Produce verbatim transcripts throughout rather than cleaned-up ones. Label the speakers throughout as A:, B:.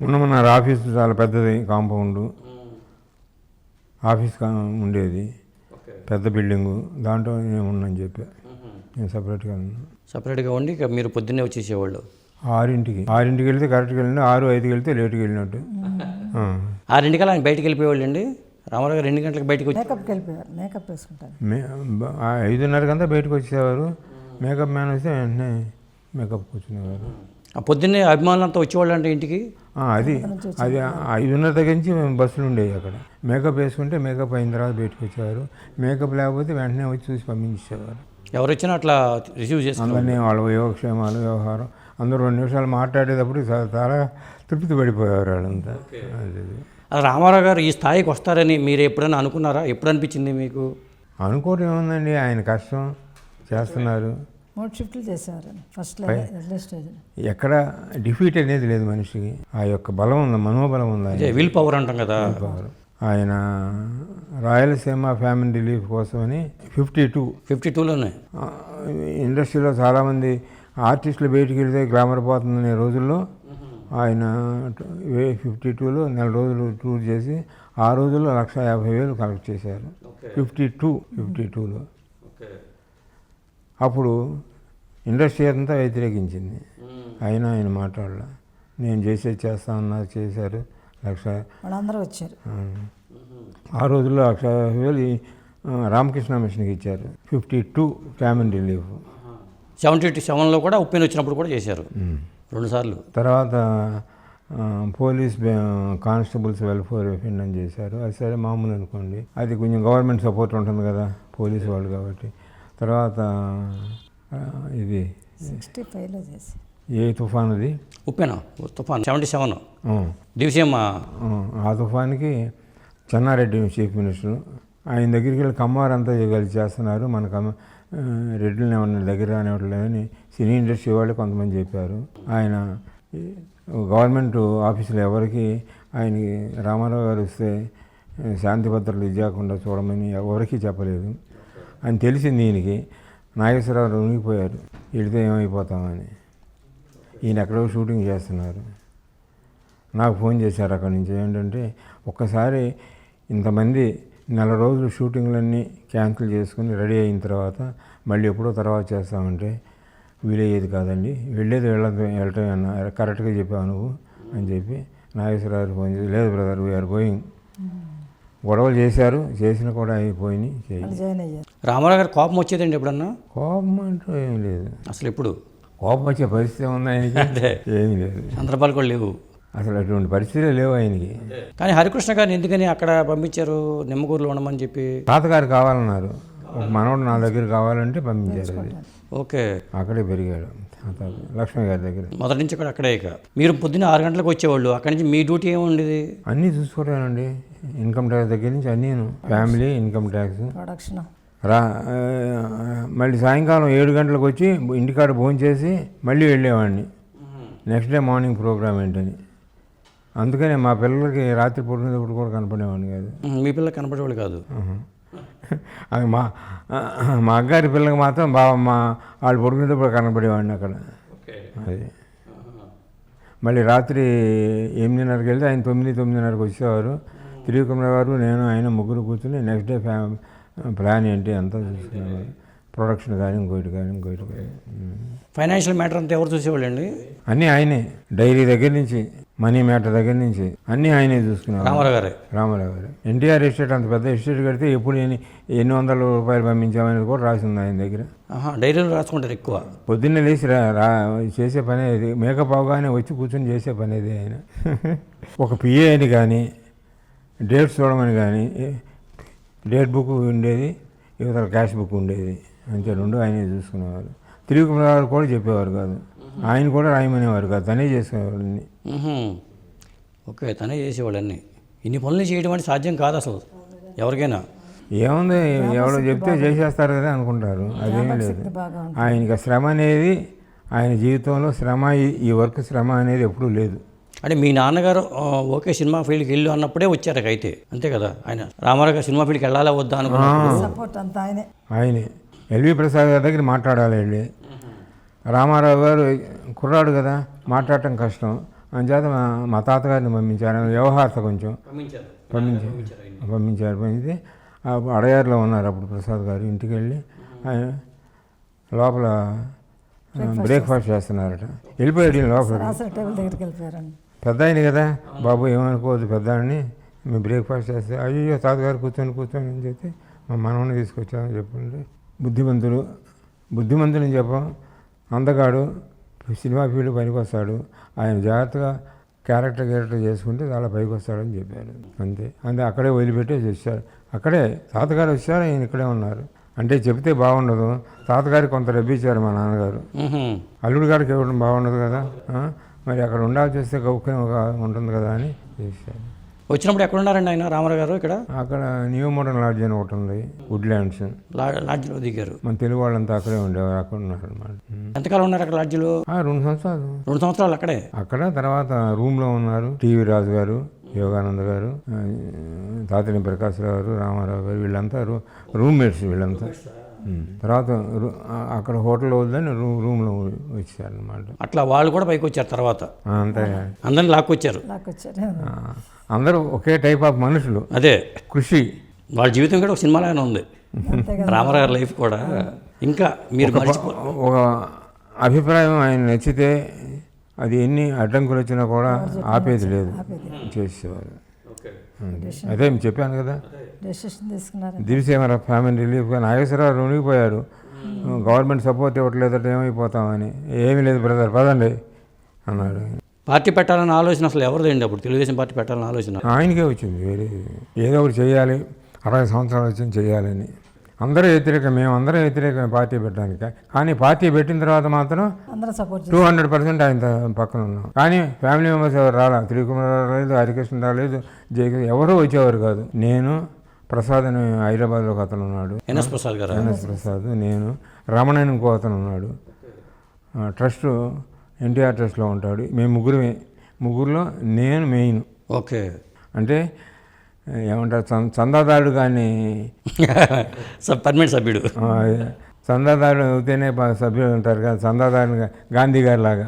A: ఉన్నమన్నారు office చాలా పెద్దది, compound office ఉండేది, పెద్ద బిల్డింగు. దాంట్లో నేను ఉన్నాను చెప్పా, నేను సపరేట్గా ఉన్నాను.
B: సపరేట్గా ఉండి ఇక మీరు పొద్దున్నే వచ్చేసేవాళ్ళు?
A: ఆరింటికి ఆరింటికి వెళ్తే కరెక్ట్గా వెళ్ళిన, ఆరు ఐదుకి వెళ్తే లేట్కి వెళ్ళినట్టు.
B: ఆరింటికల్లా ఆయన బయటికి వెళ్ళిపోయేవాళ్ళు అండి? రామారావు గారు రెండు గంటలకు బయటకు వచ్చి
C: మేకప్కి వెళ్ళిపోయారు, మేకప్ వేసుకుంటారు.
A: మే ఐదున్నరకంతా బయటకు వచ్చేవారు. మేకప్ మ్యాన్ వస్తే వెంటనే మేకప్ కూర్చునేవారు.
B: పొద్దున్నే అభిమానులంతా వచ్చేవాళ్ళు అంటే ఇంటికి?
A: అది అది ఐదున్నర దగ్గర నుంచి బస్సులు ఉండేవి అక్కడ. మేకప్ వేసుకుంటే మేకప్ అయిన తర్వాత బయటకు వచ్చేవారు. మేకప్ లేకపోతే వెంటనే వచ్చి చూసి పంపించేవారు.
B: ఎవరు వచ్చినా అట్లా రిసీవ్ చేసుకుని
A: అందరినీ వాళ్ళ యోగక్షేమాలు, వ్యవహారం అందరూ రెండు నిమిషాలు మాట్లాడేటప్పుడు చాలా తృప్తి పడిపోయేవారు వాళ్ళంతా.
B: అది రామారావు గారు ఈ స్థాయికి వస్తారని మీరు ఎప్పుడైనా అనుకున్నారా? ఎప్పుడు అనిపించింది మీకు?
A: అనుకోవడం ఏముందండి, ఆయన కష్టం చేస్తున్నారు.
C: మూడు షిఫ్ట్లు చేసేవారు ఫస్ట్ స్టేజ్.
A: ఎక్కడ డిఫీట్ అనేది లేదు మనిషికి. ఆ యొక్క బలం ఉంది, మనోబలం ఉంది,
B: విల్ పవర్ అంటాం కదా.
A: ఆయన రాయలసీమ ఫ్యామిలీ రిలీఫ్ కోసమని ఫిఫ్టీ టూ
B: ఫిఫ్టీ టూలోనే
A: ఇండస్ట్రీలో చాలామంది ఆర్టిస్టులు బయటికి వెళ్తే గ్లామర్ పోతుందనే రోజుల్లో ఆయన ఫిఫ్టీ టూలో నెల రోజులు టూర్ చేసి ఆ రోజుల్లో లక్ష యాభై వేలు కలెక్ట్ చేశారు. ఫిఫ్టీ టూ ఫిఫ్టీ టూలో అప్పుడు ఇండస్ట్రీ అంతా వ్యతిరేకించింది. అయినా ఆయన మాట్లాడలే, నేను చేసేది చేస్తా ఉన్నారు, చేశారు. లక్ష
C: వాళ్ళందరూ వచ్చారు.
A: ఆ రోజుల్లో లక్ష యాభై వేలు రామకృష్ణ మిషన్కి ఇచ్చారు. Fifty two family relief.
B: Seventy సెవెన్లో కూడా ఉప్పెన వచ్చినప్పుడు కూడా చేశారు రెండుసార్లు.
A: తర్వాత పోలీస్ కానిస్టేబుల్స్ వెల్ఫేర్ ఫండ్ అని చేశారు. అది సరే మామూలు అనుకోండి, అది కొంచెం గవర్నమెంట్ సపోర్ట్ ఉంటుంది కదా పోలీసు వాళ్ళు కాబట్టి. తర్వాత ఇది
C: సిక్స్టీ ఫైవ్లో చేసి
A: ఏ తుఫాన్ అది
B: ఉప్పెన తుఫాన్ సెవెంటీ సెవెన్ డివిజన్.
A: ఆ తుఫాన్కి చెన్నారెడ్డి చీఫ్ మినిస్టర్, ఆయన దగ్గరికి వెళ్ళి కమ్మారు అంతా కలిసి చేస్తున్నారు, మన కమ్మ రెడ్డిని ఏమన్నా దగ్గర రానివ్వట్లేదని సినీ ఇండస్ట్రీ వాళ్ళు కొంతమంది చెప్పారు. ఆయన గవర్నమెంట్ ఆఫీసులో ఎవరికి ఆయనకి రామారావు గారు వస్తే శాంతి భద్రతలు ఇవ్వకుండా చూడమని ఎవరికి చెప్పలేదు అని తెలిసింది ఈయనకి. నాగేశ్వరరావు ఉనిగిపోయారు, వెళితే ఏమైపోతామని. ఈయన ఎక్కడో షూటింగ్ చేస్తున్నారు. నాకు ఫోన్ చేశారు అక్కడి నుంచి, ఏంటంటే ఒక్కసారి ఇంతమంది నెల రోజులు షూటింగ్లన్నీ క్యాన్సిల్ చేసుకుని రెడీ అయిన తర్వాత మళ్ళీ ఎప్పుడో తర్వాత చేస్తామంటే వీలయ్యేది కాదండి, వెళ్ళేది వెళ్ళదు వెళ్ళటం అన్న కరెక్ట్గా చెప్పావు నువ్వు అని చెప్పి నాగేశ్వరరావు ఫోన్ చేసి, లేదు బ్రదర్ వీఆర్ గోయింగ్. గొడవలు చేశారు, చేసిన కూడా అయిపోయినాయి.
B: రామారావు గారు కోపం వచ్చేదండి ఎప్పుడన్నా?
A: కోపం అంటూ ఏం లేదు
B: అసలు. ఎప్పుడు
A: కోపం వచ్చే పరిస్థితి ఉంది ఆయనకి? ఏమీ లేదు,
B: సందర్భాలు కూడా లేవు
A: అసలు, అటువంటి పరిస్థితులే లేవు ఆయనకి.
B: కానీ హరికృష్ణ గారిని ఎందుకని అక్కడ పంపించారు, నిమ్మకూరులో ఉండమని చెప్పి?
A: తాతగారు కావాలన్నారు, ఒక మనవడు నా దగ్గర కావాలంటే పంపించారు. అది
B: ఓకే,
A: అక్కడే పెరిగాడు లక్ష్మి గారి దగ్గర.
B: మొదటి నుంచి కూడా అక్కడే. ఇక మీరు పొద్దున్న ఆరు గంటలకు వచ్చేవాళ్ళు, అక్కడి నుంచి మీ డ్యూటీ ఏముండేది?
A: అన్నీ చూసుకుంటానండి, ఇన్కమ్ ట్యాక్స్ దగ్గర నుంచి అన్నీ, ఫ్యామిలీ ఇన్కమ్ ట్యాక్స్
C: ప్రొడక్షన్
A: రా. మళ్ళీ సాయంకాలం ఏడు గంటలకు వచ్చి ఇంటికాడ భోజనం చేసి మళ్ళీ వెళ్ళేవాడిని నెక్స్ట్ డే మార్నింగ్ ప్రోగ్రామ్ ఏంటని. అందుకనే మా పిల్లలకి రాత్రి పడుకునేటప్పుడు కూడా కనపడేవాడిని కాదు.
B: మీ పిల్లలకి కనపడేవాళ్ళు కాదు?
A: అది మా మా అగ్గారి పిల్లకి మాత్రం బాగా మా వాళ్ళు పడుకునేటప్పుడు కనపడేవాడిని అక్కడ. అది మళ్ళీ రాత్రి ఎనిమిదిన్నరకి వెళ్తే ఆయన తొమ్మిది తొమ్మిదిన్నరకు వచ్చేవారు. త్రివిక్రమ గారు, నేను, ఆయన ముగ్గురు కూర్చుని నెక్స్ట్ డే ఫ్యా ప్లాన్ ఏంటి అంతా చూసుకునేవారు. ప్రొడక్షన్ కానీ ఇంకోటి కానీ ఇంకోటి కానీ.
B: ఫైనాన్షియల్ మ్యాటర్ అంతా ఎవరు చూసేవాళ్ళు అండి?
A: అన్నీ ఆయనే, డైరీ దగ్గర నుంచి మనీ మ్యాటర్ దగ్గర నుంచి అన్నీ ఆయనే చూసుకున్నారు.
B: రామారావు గారే
A: రామారావు గారు ఎన్టీఆర్ ఎస్టేట్ అంత పెద్ద ఎస్టేట్ కడితే ఎప్పుడు ఎన్ని ఎన్ని వందల రూపాయలు పంపించామనేది కూడా రాసి ఉంది ఆయన దగ్గర.
B: డైరీలో రాసుకుంటారు ఎక్కువ.
A: పొద్దున్నే లేచి రా రా చేసే పని అది, మేకప్ అవగానే వచ్చి కూర్చొని చేసే పని అది ఆయన. ఒక పిఏ అని కానీ డేట్స్ చూడమని కానీ, డేట్ బుక్ ఉండేది, యువతల క్యాష్ బుక్ ఉండేది, అంతే, రెండు ఆయనే చూసుకునేవారు. త్రివిక్రమ గారు కూడా చెప్పేవారు కాదు, ఆయన కూడా రాయమనేవారు కాదు, తనే చేసుకునేవారు అన్నీ.
B: ఓకే, తనే చేసేవాళ్ళు అన్నీ. ఇన్ని పనులు చేయడం అంటే సాధ్యం కాదు అసలు ఎవరికైనా.
A: ఏముంది, ఎవరో చెప్తే చేసేస్తారు కదా అనుకుంటారు, అదేమీ లేదు. ఆయనకి శ్రమ అనేది, ఆయన జీవితంలో శ్రమ, ఈ వర్క్ శ్రమ అనేది ఎప్పుడూ లేదు.
B: అంటే మీ నాన్నగారు ఓకే సినిమా ఫీల్డ్కి వెళ్ళు అన్నప్పుడే వచ్చారు అయితే, అంతే కదా? ఆయన రామారావు గారు సినిమా ఫీల్డ్కి వెళ్ళాలా వద్దా అనుకున్నారు
C: ఆయనే.
A: ఆయనే ఎల్వి ప్రసాద్ గారి దగ్గర మాట్లాడాలి వెళ్ళి. రామారావు గారు కుర్రాడు కదా, మాట్లాడటం కష్టం. అంచేత మా మా తాతగారిని పంపించారు వ్యవహారత కొంచెం
B: పంపించారు
A: పంపించారు పంపించారు పంపితే ఆ అడయారులో ఉన్నారు అప్పుడు ప్రసాద్ గారు. ఇంటికి వెళ్ళి ఆయన లోపల బ్రేక్ఫాస్ట్ చేస్తున్నారట. వెళ్ళిపోయాడు ఈయన లోపలికి.
C: రాసిన టేబుల్ దగ్గరికి వెళ్ళిపోయారండి.
A: పెద్ద ఆయన కదా బాబు ఏమనుకోవద్దు పెద్ద ఆయన్ని, మేము బ్రేక్ఫాస్ట్ చేస్తే అయ్యో తాతగారు కూర్చొని కూర్చొని అని చెప్పి మా మనవని తీసుకొచ్చామని చెప్పండి. బుద్ధిమంతుడు బుద్ధిమంతుని చెప్పం, అందగాడు, సినిమా ఫీల్డ్ పనికి వస్తాడు, ఆయన జాగ్రత్తగా క్యారెక్టర్ క్యారెక్టర్ చేసుకుంటే చాలా పైకి వస్తాడని చెప్పారు. అంతే అంతే అక్కడే వదిలిపెట్టేసి వచ్చారు. అక్కడే తాతగారు వచ్చారు, ఆయన ఇక్కడే ఉన్నారు. అంటే చెప్తే బాగుండదు, తాతగారికి కొంత రబ్బిచ్చారు మా నాన్నగారు. అల్లుడు గారికి ఇవ్వడం బాగుండదు కదా, మరి అక్కడ ఉండాల్సి వస్తే గౌక్యం ఉంటుంది కదా అని చేశారు.
B: వచ్చినప్పుడు ఎక్కడ ఉన్నారండి ఆయన రామారావు గారు? ఇక్కడ
A: అక్కడ న్యూ మోడర్న్ లాడ్జ్ అని ఒకటి ఉంది, వుడ్లాండ్స్.
B: లాడ్జ్లో దిగారు.
A: మన తెలుగు వాళ్ళంతా అక్కడే ఉండేవారు, అక్కడ ఉన్నారు అనమాట.
B: ఎంతకాలం ఉన్నారు అక్కడ లాడ్జ్లో?
A: రెండు సంవత్సరాలు
B: రెండు సంవత్సరాలు అక్కడే.
A: అక్కడ తర్వాత రూమ్లో ఉన్నారు. టీవీ రాజు గారు, యోగానంద గారు, తాతిని ప్రకాశ్రావు గారు, రామారావు గారు, వీళ్ళంతా రూ రూమ్మేట్స్ వీళ్ళంతా. తర్వాత అక్కడ హోటల్లో వద్దని రూ రూమ్లో వచ్చారనమాట.
B: అట్లా వాళ్ళు కూడా పైకి వచ్చారు తర్వాత.
A: అంతే
B: అందరిని లాక్కొచ్చారు.
C: లాక్కొచ్చారు
A: అందరూ ఒకే టైప్ ఆఫ్ మనుషులు.
B: అదే
A: కృషి.
B: వాళ్ళ జీవితం కూడా ఒక సినిమాలానే ఉంది. రామారావు గారి లైఫ్ కూడా. ఇంకా మీరు
A: ఒక అభిప్రాయం ఆయన నచ్చితే అది ఎన్ని అడ్డంకులు వచ్చినా కూడా ఆపేది లేదు, చేసేవారు. అదే చెప్పాను కదా,
C: డెసిషన్ తీసుకున్నారు.
A: దివిసేమర ఫ్యామిలీ రిలీఫ్ నాగేశ్వరరావు రుణిగిపోయారు. గవర్నమెంట్ సపోర్ట్ ఇవ్వట్లేదంటే ఏమైపోతామని. ఏమీ లేదు బ్రదర్ పదండి అన్నాడు.
B: పార్టీ పెట్టాలన్న ఆలోచన అసలు ఎవరిదండి అప్పుడు? తెలుగుదేశం పార్టీ పెట్టాలన్న ఆలోచన
A: ఆయనకే వచ్చింది. వేరే ఏదో ఒకటి చేయాలి, అరవై సంవత్సరాలు వచ్చింది చేయాలని. అందరూ వ్యతిరేకం, మేము అందరూ వ్యతిరేకం పార్టీ పెట్టడానికి. కానీ పార్టీ పెట్టిన తర్వాత మాత్రం
C: అందరూ సపోర్ట్
A: టూ హండ్రెడ్ పర్సెంట్ ఆయన పక్కన ఉన్నాం. కానీ ఫ్యామిలీ మెంబర్స్ ఎవరు రాలా. త్రికుమార్ రాలేదు, హరికృష్ణ రాలేదు, జయకృష్ణ ఎవరూ వచ్చేవారు కాదు. నేను, ప్రసాద్ అని హైదరాబాద్లో ఒక అతను ఉన్నాడు,
B: ఎన్ఎస్ ప్రసాద్ గారు,
A: ఎన్ఎస్ ప్రసాద్, నేను, రమణ ఇంకో అతను ఉన్నాడు. ట్రస్ట్ ఎన్టీఆర్ ట్రస్ట్లో ఉంటాడు. మేము ముగ్గురమే. ముగ్గురులో నేను మెయిన్.
B: ఓకే.
A: అంటే ఏమంటారు, చందాదారుడు కానీ
B: పర్మనెంట్ సభ్యుడు.
A: చందాదారుడు అవుతేనే సభ్యులు ఉంటారు కదా, చందాదారుడు గాంధీ గారి లాగా.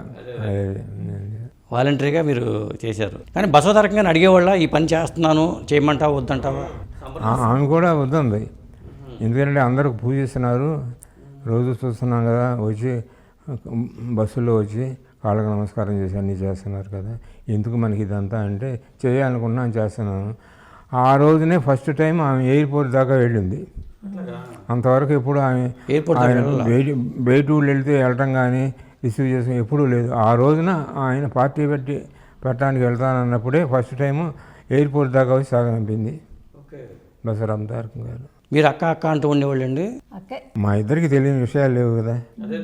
B: వాలంటరీగా మీరు చేశారు. కానీ బసవతారకంగా అడిగేవాళ్ళ ఈ పని చేస్తున్నాను చేయమంటావా వద్దంటావా?
A: ఆమె కూడా వద్దంది. ఎందుకంటే అందరూ పూజిస్తున్నారు, రోజు చూస్తున్నాం కదా, వచ్చి బస్సులో వచ్చి కాళ్ళకు నమస్కారం చేసి అన్నీ చేస్తున్నారు కదా, ఎందుకు మనకి ఇదంతా అంటే చేయాలనుకున్నాను చేస్తున్నాను. ఆ రోజునే ఫస్ట్ టైం ఆమె ఎయిర్పోర్ట్ దాకా వెళ్ళింది. అంతవరకు ఎప్పుడు ఆమె బయట బయట ఊళ్ళు వెళ్తే వెళ్ళటం కానీ రిసీవ్ చేసిన ఎప్పుడూ లేదు. ఆ రోజున ఆయన పార్టీ పెట్టి పెట్టడానికి వెళ్తానన్నప్పుడే ఫస్ట్ టైము ఎయిర్పోర్ట్ దాకా వచ్చి సాగనిపింది బసవరామ్ తారకం గారు.
B: మీరు అక్క అక్క అంటూ ఉండేవాళ్ళు అండి?
A: మా ఇద్దరికి తెలియని విషయాలు లేవు కదా.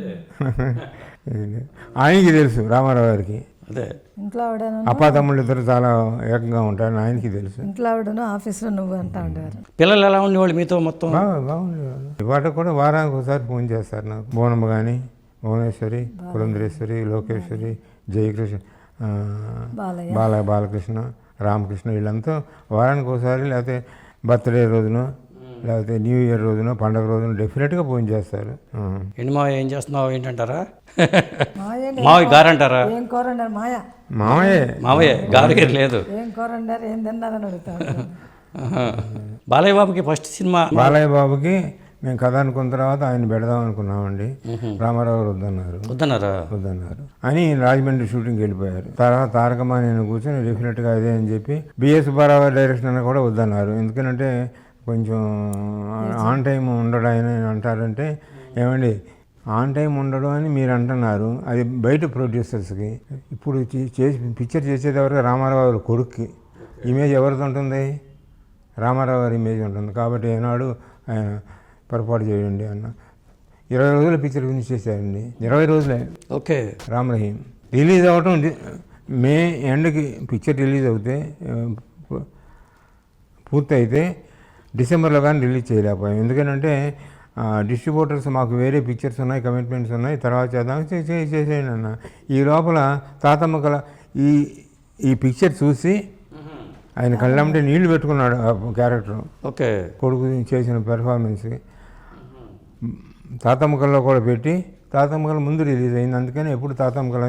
A: ఆయనకి తెలుసు, రామారావు గారికి.
B: అదే
C: ఇంట్లో
A: అప్పా తమ్ముళ్ళు ఇద్దరు చాలా ఏకంగా ఉంటారని ఆయనకి తెలుసు.
C: ఇంట్లో ఆవిడను ఆఫీస్లో నువ్వు అంటా ఉండేవారు.
B: పిల్లలు ఎలా ఉండేవాళ్ళు మీతో మొత్తం?
A: బాగా బాగుండేవాళ్ళు. ఇవాళ కూడా వారానికి ఒకసారి ఫోన్ చేస్తారు నాకు. బోనమ్మ కానీ, భువనేశ్వరి, పురంధరేశ్వరి, లోకేశ్వరి, జయకృష్ణ, బాల బాలకృష్ణ, రామకృష్ణ, వీళ్ళంతా వారానికి ఒకసారి, లేకపోతే బర్త్డే రోజున, లేకపోతే న్యూ ఇయర్ రోజున, పండగ రోజున డెఫినెట్గా ఫోన్ చేస్తారు.
B: ఏంటి మా ఏం చేస్తున్నావు ఏంటంటారా? మావయ్య గారు అంటారా?
C: ఏం కూర వండారు మాయ?
A: మామయ్యే
B: మావయ్య గారు గారు లేదు.
C: ఏం కూర వండారు, ఏం తిన్నారని అడుగుతాను.
B: బాలయ్య బాబుకి ఫస్ట్ సినిమా.
A: బాలయ్య బాబుకి మేము కథ అనుకున్న తర్వాత ఆయన పెడదాం అనుకున్నామండి. రామారావు గారు వద్దన్నారు.
B: వద్దన్నారా? వద్దన్నారు
A: అని రాజమండ్రి షూటింగ్కి వెళ్ళిపోయారు. తర్వాత తారకమ్మ నేను కూర్చొని డెఫినెట్గా అదే అని చెప్పి బిఎస్ సుబ్బారావు డైరెక్షన్ అని కూడా వద్దన్నారు. ఎందుకంటే కొంచెం ఆన్ టైం ఉండడు ఆయన అంటారంటే, ఏమండి ఆన్ టైం ఉండడు అని మీరు అంటున్నారు, అది బయట ప్రొడ్యూసర్స్కి. ఇప్పుడు చేసి పిక్చర్ చేసేది ఎవరికి? రామారావు గారి కొడుక్కి. ఇమేజ్ ఎవరిది ఉంటుంది? రామారావు గారి ఇమేజ్ ఉంటుంది. కాబట్టి ఏనాడు ఆయన పొరపాటు చేయండి అన్న. ఇరవై రోజుల పిక్చర్ ఫినిష్ చేశారండి. ఇరవై రోజులే.
B: ఓకే.
A: రామ్ రహీం రిలీజ్ అవ్వటం మే ఎండ్కి పిక్చర్ రిలీజ్ అవుతే పూర్తయితే డిసెంబర్లో కానీ రిలీజ్ చేయలేకపోయాం. ఎందుకంటే డిస్ట్రిబ్యూటర్స్ మాకు వేరే పిక్చర్స్ ఉన్నాయి, కమిట్మెంట్స్ ఉన్నాయి, తర్వాత చేద్దాం చేసేయండి అన్న. ఈ లోపల తాతమ్మ కళ ఈ ఈ పిక్చర్ చూసి ఆయన కళ్ళంటే నీళ్లు పెట్టుకున్నాడు ఆ క్యారెక్టర్.
B: ఓకే.
A: కొడుకు చేసిన పెర్ఫార్మెన్స్కి తాతమ్మ కళలో కూడా పెట్టి తాతమ్మ కళ ముందు రిలీజ్ అయింది. అందుకని ఎప్పుడు తాతమ్మ కళ